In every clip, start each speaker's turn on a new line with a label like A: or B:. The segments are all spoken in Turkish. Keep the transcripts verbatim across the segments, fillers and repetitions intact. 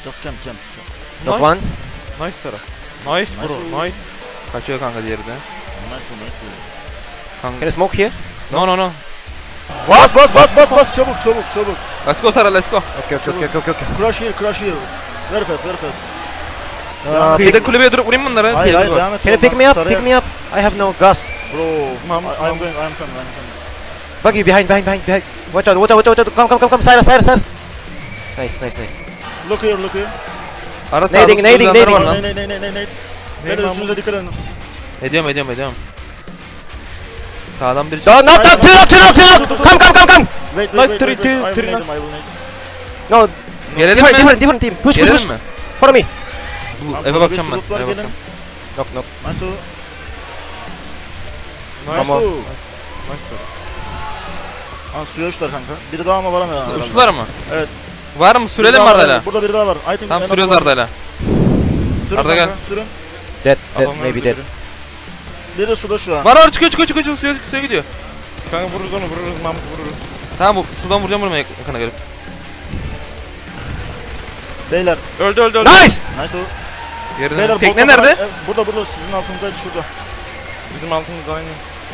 A: Just camp, camp.
B: Not one.
C: Nice taraf. Nice bro,
A: Nice.
C: nice.
D: Kaçıyor kanka diğeri de.
A: Nice, nice.
D: Kanka.
B: Can I smoke here?
D: No no no.
A: Bas bas bas bas bas çabuk çabuk çabuk.
D: Let's go Sara, let's go.
B: Okay, okay, okay, okay, okay.
A: Crush here, crush here. Very fast, very fast.
B: Uh,
D: Kıyıda kulübeye durup vurayım mı bunları?
A: Hayır
D: Kıyıda
A: hayır
D: dur.
A: devam et.
B: Can you pick me up? Pick me up. I have no gas.
A: Bro,
C: Mam-
A: I, I'm
C: mam-
A: going, I'm coming, I'm coming.
B: Buggy behind, behind, behind, behind. Watch out, watch out, watch out, watch out. Come, come, come, come. Cyrus, Cyrus, Cyrus. Nice, nice, nice.
A: Look here, look here.
D: Ara sağda
B: Nading, nading,
D: sürücüler var
B: nading.
D: lan.
A: Ne ne ne ne ne ne. Beyler
C: mam-
A: üstünüze dikkat edin.
D: Ediyorum ediyorum ediyorum. Sağdan biri
B: So, knock, knock, two knock, two knock, two knock. Come, come, come, come.
A: Wait,
C: Like
A: wait, wait,
C: three,
A: wait, wait. I
C: two,
A: will
C: three,
A: nade him, I will nade.
B: No,
D: Gelelim
B: different,
D: mi?
B: different, different team. Push, push,
D: Gelelim
B: push.
D: mi?
B: Follow me.
D: Bu,
A: Tamam,
D: eve
A: burada
D: bakacağım
A: bir
D: ben.
A: slot var,
D: Eve
A: gelin.
D: bakacağım.
B: Knock, knock.
A: Nice to.
C: Nice.
B: Tamam.
A: Nice to.
C: Nice taraf.
A: Aa suya uçtular kanka. Biri daha mı var ama ya?
D: Uçtular mı?
A: Evet.
D: Var mı?
A: Biri
D: Sürelim
A: daha
D: mi
A: var,
D: Arda'yla?
A: Burada biri daha var. I think
D: Tamam
A: en
D: sürüyoruz
A: azından-
D: Arda'yla.
A: Sürün
D: Arda
A: kanka,
D: gel.
A: Sürün.
B: Dead, dead,
C: Adamlar
B: maybe
C: öldü
B: dead.
C: biri.
A: Biri suda şu an.
D: Var var çıkıyor çıkıyor çıkıyor suya, suya gidiyor.
C: Kanka vururuz onu, vururuz Mahmut, vururuz.
D: Tamam bu sudan vuracağım vurmaya yakına gelip.
A: Beyler.
C: Öldü öldü öldü.
B: Nice.
A: Nice to.
D: Yerine.
A: Beyler
D: Tekne
A: botla
D: nerede?
A: falan- e, Burada burada sizin altınızdaydı şurada.
C: Bizim altımızda aynı.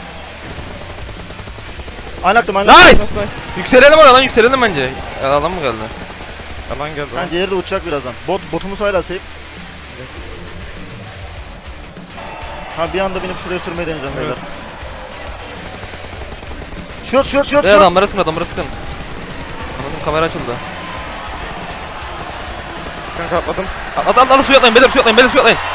A: Aynaktım
B: Nice.
A: aynaktım.
D: Yükselelim oradan yükselelim bence. Ya, adam mı geldi?
C: Yalan geldi.
A: Yani diğeri de uçacak birazdan. Bot, botumuz hala safe. Ha bir anda binip şuraya sürmeyi deneyeceğim beyler. Şut şut şut
D: Be
A: şut.
D: adamlara sıkın adamlara sıkın. Anladım kamera açıldı.
C: Kanka atladım.
D: At at at, at suya atlayın beyler suya atlayın beyler suya atlayın.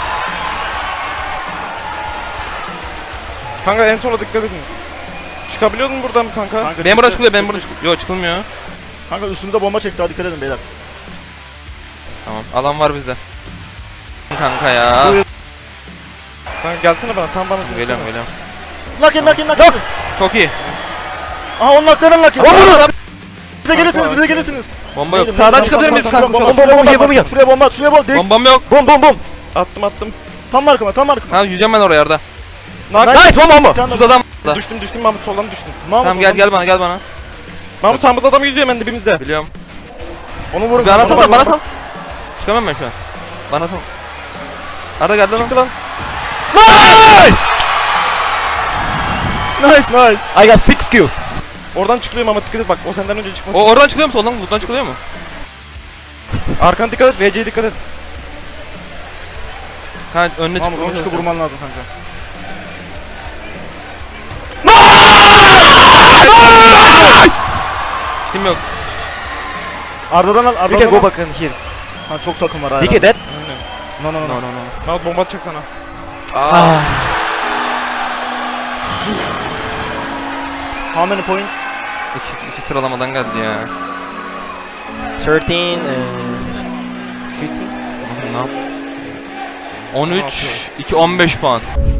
C: Kanka en sola dikkat edin. Çıkabiliyor musun buradan kanka?
A: Kanka,
D: Ben buradan
A: çıktı,
D: çıkılıyor ben
A: çıktı,
D: buradan çıkılıyor. Yok çıkılmıyor.
A: Kanka üstümüze bomba çekti, hadi dikkat edin beyler.
D: Tamam alan var bizde. Kanka ya.
A: Buyur.
C: Kanka gelsene bana, tam bana söylesene.
D: Geliyorum geliyorum.
A: Knock in knock in knock in.
D: Çok iyi.
A: Aha on knockların knock in.
B: Bomba.
A: Bize gelirsiniz bize gelirsiniz.
D: Bomba yok.
A: Neydi,
D: Sağdan
A: neydi,
D: çıkabilir miyiz
A: tamam,
D: kanka?
A: tamam,
B: Bomba, bomba, bomba, bomba.
A: Şuraya bomba at şuraya bomba. Değil.
D: Bombam yok.
B: Boom, boom, boom.
C: Attım attım.
A: Tam markama tam markama.
D: Tamam yüzeceğim ben oraya Arda.
C: Nak.
B: Nice, one bomba.
A: Bir tane
D: Suda adam var.
C: Düştüm düştüm Mahmut, soldan düştüm.
A: Mahmut,
D: Tamam gel
A: onu-
D: gel bana gel bana.
C: Mahmut sağımızda adam yüzüyor hemen dibimizde.
D: Biliyorum.
A: Onu vurun.
D: Bana
A: onu
D: sal
A: vurun.
D: bana sal. Çıkamam ben şu an. Bana sal. Arda geldi lan.
C: Çıktı lan.
B: Nice.
A: Nice nice.
B: I got six kills.
C: Oradan çıkılıyor Mahmut, dikkat et bak, o senden önce çıkmasın.
D: O oradan çıkılıyor mu soldan? Buradan çıkılıyor mu?
C: Arkana dikkat et, V C'ye dikkat et.
D: Ha önüne
A: Mahmut onu
D: çıkılıyor.
A: çıkıp vurman lazım kanka.
D: Kim yok?
A: Arda'dan al
B: We
A: Arda'dan
B: can go
A: al.
B: back in here.
A: Ha çok takım var hala.
B: D K dead.
C: Aynen.
A: No no no.
D: No
A: no.
D: no no.
C: Mahmut bomba atacak sana.
B: Ah.
A: How many points?
D: İki, iki sıralamadan geldi ya.
B: thirteen, uh, fifteen.
D: Ne yap? on üç, iki on beş puan.